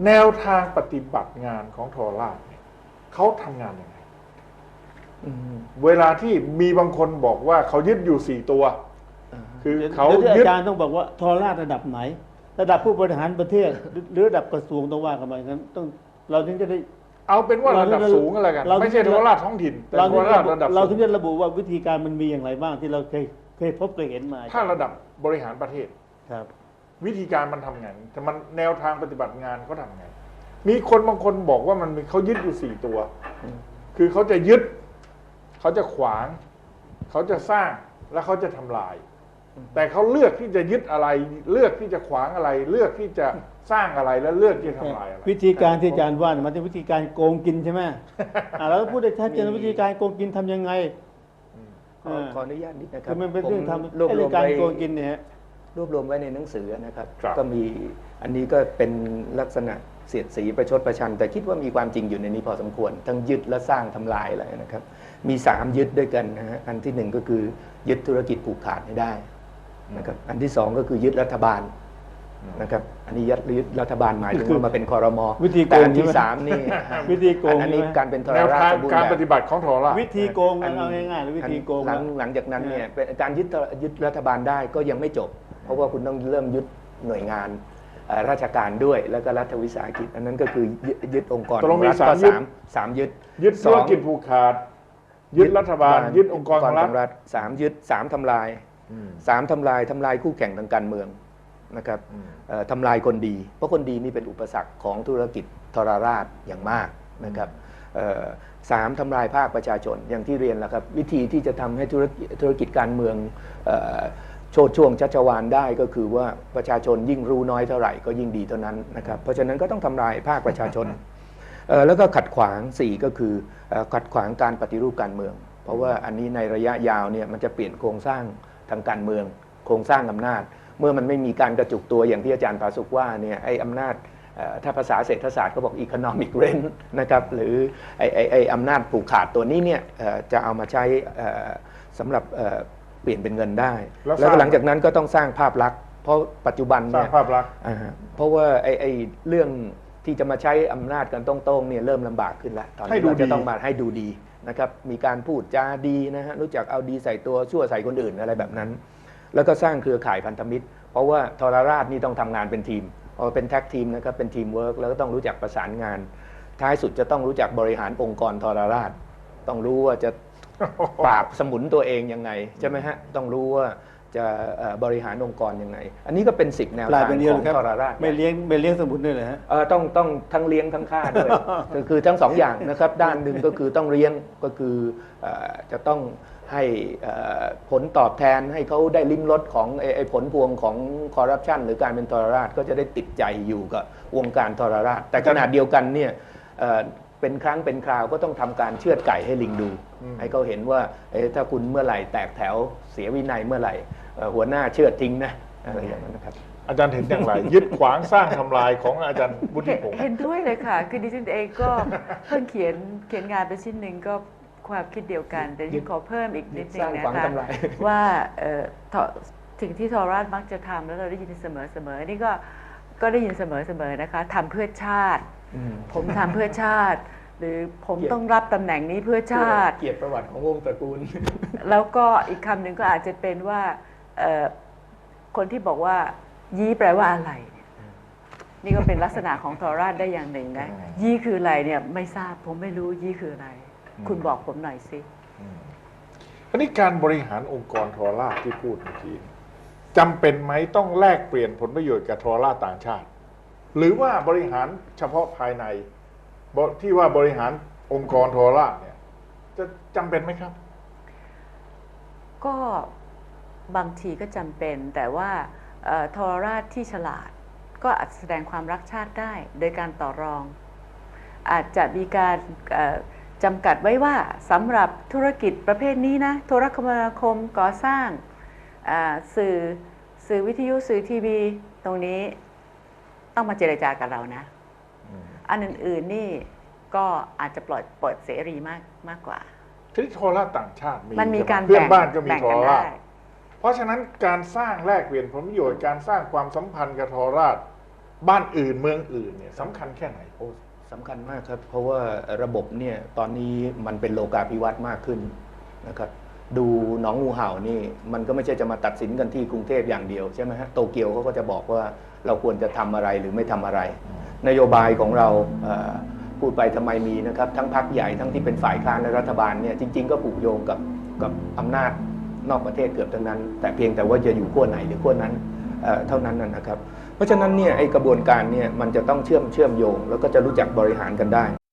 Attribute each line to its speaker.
Speaker 1: แนวทางปฏิบัติงานของโทรราชเนี่ยเขาทำงานยังไงเวลาที่มีบางคนบอกว่าเขายึดอยู่4 ตัวคือเขายึด
Speaker 2: อาจารย์ต้องบอกว่าโทรราชระดับไหนระดับผู้บริหารประเทศหรือระดับกระทรวงต้องว่ากันไปงั้นต้องเราถึงจะได้
Speaker 1: เอาเป็นว่าระดับสูงอะไรกันไม่ใช่โทรราชท้องถิ่นแต่โทรราชระดับ
Speaker 2: เราถึงจะระบุว่าวิธีการมันมีอย่างไรบ้างที่เราเคยพบเคยเห็นมา
Speaker 1: ถ้าระดับบริหารประเทศ
Speaker 2: ครับ
Speaker 1: วิธีการมันทำไงแต่มันแนวทางปฏิบัติงานเขาทำไงมีคนบางคนบอกว่ามันเขายึดอยู่4 ตัวคือเขาจะยึดเขาจะขวางเขาจะสร้างและเขาจะทำลายแต่เขาเลือกที่จะยึดอะไรเลือกที่จะขวางอะไรเลือกที่จะสร้างอะไรและเลือกที่จะทำลายอะไร
Speaker 2: วิธีการที่อาจารย์ว่ามันเป็นวิธีการโกงกินใช่ไหมเราก็พูดได้ชัดเจนวิธีการโกงกินทำยังไง
Speaker 3: ขออนุญาตนิดนะครับ
Speaker 2: มันเป็นเรื่องทำการโกงกินเนี่ย
Speaker 3: รวบรวมไว้ในหนังสือนะครับก็มีอันนี้ก็เป็นลักษณะเสียดสีประชดประชันแต่คิดว่ามีความจริงอยู่ในนี้พอสมควรทั้งยึดและสร้างทำลายอะไรนะครับมี3ยึดด้วยกันนะฮะอันที่1ก็คือยึดธุรกิจผูกขาดให้ได้นะครับอันที่2ก็คือยึดรัฐบาลนะครับอันนี้ยึดรัฐบาลหมายถึงว่ามาเป็นครม.แต่อันที่3นี่
Speaker 2: วิธีโกง
Speaker 3: อันนี้การเป็นโทรราชสมบูรณ์
Speaker 1: การปฏิบัติของโทรราช
Speaker 2: วิธีโกงเอาง่ายๆหรือวิธีโกง
Speaker 3: หลังจากนั้นเนี่ยการยึดรัฐบาลได้ก็ยังไม่จบเพราะว่าคุณต้องเริ่มยึดหน่วยงานราชการด้วยแล้วก็รัฐวิสาหกิจอันนั้นก็คือยึดองค์กร
Speaker 1: ตรงมี
Speaker 3: 3ยึด
Speaker 1: ธุรกิจผูกขาดยึดรัฐบาลยึดองค์กรของรัฐ
Speaker 3: 3ยึด3ทำลาย3ทำลายคู่แข่งทางการเมืองนะครับทำลายคนดีเพราะคนดีนี่เป็นอุปสรรคของธุรกิจทรราชอย่างมากนะครับ3ทำลายภาคประชาชนอย่างที่เรียนแล้วครับวิธีที่จะทำให้ธุรกิจการเมืองโชดช่วงชัชวาลได้ก็คือว่าประชาชนยิ่งรู้น้อยเท่าไหร่ก็ยิ่งดีเท่านั้นนะครับเพราะฉะนั้นก็ต้องทำลายภาคประชาชนแล้วก็ขัดขวาง4ก็คือขัดขวางการปฏิรูปการเมืองเพราะว่าอันนี้ในระยะยาวเนี่ยมันจะเปลี่ยนโครงสร้างทางการเมืองโครงสร้างอำนาจเมื่อมันไม่มีการกระจุกตัวอย่างที่อาจารย์ปาสุกว่าเนี่ยไอ้อำนาจถ้าภาษาเศรษฐศาสตร์เขาบอก economic rent นะครับหรือไอ้อำนาจผูกขาดตัวนี้เนี่ยจะเอามาใช้สำหรับเปลี่ยนเป็นเงินได้แล้วหลังจากนั้นก็ต้องสร้างภาพลักษณ์เพราะปัจจุบันเนี่ย
Speaker 1: สร้างภาพลักษณ์
Speaker 3: เพราะว่าไอ้เรื่องที่จะมาใช้อำนาจกันตรงๆเนี่ยเริ่มลำบากขึ้นแล้วตอนนี้เราจะต้องมาให้ดูดีนะครับมีการพูดจาดีนะฮะรู้จักเอาดีใส่ตัวชั่วใส่คนอื่นอะไรแบบนั้นแล้วก็สร้างเครือข่ายพันธมิตรเพราะว่าทรราชนี่ต้องทำงานเป็นทีมพอเป็นแท็กทีมนะครับเป็นทีมเวิร์กแล้วก็ต้องรู้จักประสานงานท้ายสุดจะต้องรู้จักบริหารองค์กรทรราชต้องรู้ว่าจะปราบสมุนตัวเองยังไงใช่ไหมฮะต้องรู้ว่าจะบริหารองค์กรยังไงอันนี้ก็เป็น10แนวทางของทรราช
Speaker 2: ไม่เลี้ยงสมุนด้วยเหรอฮะ
Speaker 3: ต้องทั้งเลี้ยงทั้งฆ่าด้วยคือทั้ง2อย่างนะครับด้านหนึ่งก็คือต้องเลี้ยงก็คือจะต้องให้ผลตอบแทนให้เขาได้ลิ้มรสของผลพวงของคอร์รัปชันหรือการเป็นทรราชก็จะได้ติดใจอยู่กับวงการทรราชแต่ขณะเดียวกันเนี่ยเป็นครั้งเป็นคราวก็ต้องทำการเชือดไก่ให้ลิงดูให้เขาเห็นว่าถ้าคุณเมื่อไหร่แตกแถวเสียวินัยเมื่อไหร่หัวหน้าเชือดทิ้งนะอะไรอย่างนั้นนะครับ
Speaker 1: อาจารย์เห็นอย่างไรยึดขวางสร้างทำลายของอาจารย์วุฒิพงศ์
Speaker 4: เห็นด้วยเลยค่ะคือดิฉันเองก็เพิ่งเขียนงานไปชิ้นหนึ่งก็ความคิดเดียวกันแต่ที่ขอเพิ่มอีกนิดนึงนะคะว่าสิ่งที่ทรราชมักจะทำแล้วเราได้ยินเสมอนี่ก็ได้ยินเสมอนะคะทำเพื่อชาติผมทำเพื่อชาติหรือผมต้องรับตำแหน่งนี้เพื่อชาติ
Speaker 3: เกียรติประวัติของวงตระกูล
Speaker 4: แล้วก็อีกคำหนึ่งก็อาจจะเป็นว่าคนที่บอกว่ายี้แปลว่าอะไรนี่ก็เป็นลักษณะของทรราชได้อย่างหนึ่งนะยี่คืออะไรเนี่ยไม่ทราบผมไม่รู้ยี่คืออะไรคุณบอกผมหน่อยสิ
Speaker 1: อันนี้การบริหารองค์กรทรราชที่พูดเมื่อกี้จำเป็นไหมต้องแลกเปลี่ยนผลประโยชน์กับทรราชต่างชาติหรือว่าบริหารเฉพาะภายในที่ว่าบริหารองค์กรทรราชเนี่ยจะจำเป็นไหมครับ
Speaker 4: ก็บางทีก็จำเป็นแต่ว่าทรราชที่ฉลาดก็อาจแสดงความรักชาติได้โดยการต่อรองอาจจะมีการจำกัดไว้ว่าสำหรับธุรกิจประเภทนี้นะโทรคมนาคมก่อสร้างสื่อวิทยุสื่อทีวีตรงนี้ต้องมาเจรจากับเรานะอันอื่นๆนี่ก็อาจจะเปิดเสรีมากกว่า
Speaker 1: ที่โทรราชต่างชาติ
Speaker 4: มันมีการ
Speaker 1: เพื่อนบ้านก็มีโทรราชเพราะฉะนั้นการสร้างแลกเปลี่ยนผลประโยชน์การสร้างความสัมพันธ์กับโทรราชบ้านอื่นเมืองอื่นเนี่ยสำคัญแค่ไหนโอ้
Speaker 3: สำคัญมากครับ เพราะว่าระบบเนี่ยตอนนี้มันเป็นโลกาภิวัตน์มากขึ้นนะครับดูหนองงูเห่านี่มันก็ไม่ใช่จะมาตัดสินกันที่กรุงเทพอย่างเดียวใช่ไหมฮะโตเกียวเขาก็จะบอกว่าเราควรจะทำอะไรหรือไม่ทำอะไร นโยบายของเราพูดไปทำไมมีนะครับทั้งพรรคใหญ่ทั้งที่เป็นฝ่ายค้านและรัฐบาลเนี่ยจริงๆก็ผูกโยงกับอำนาจนอกประเทศเกือบทั้งนั้น แต่เพียงแต่ว่าจะอยู่ขั้วไหนหรือขั้วนั้นเท่านั้นนะครับเพราะฉะนั้นเนี่ยไอ้กระบวนการเนี่ยมันจะต้องเชื่อมโยงแล้วก็จะรู้จักบริหารกันได้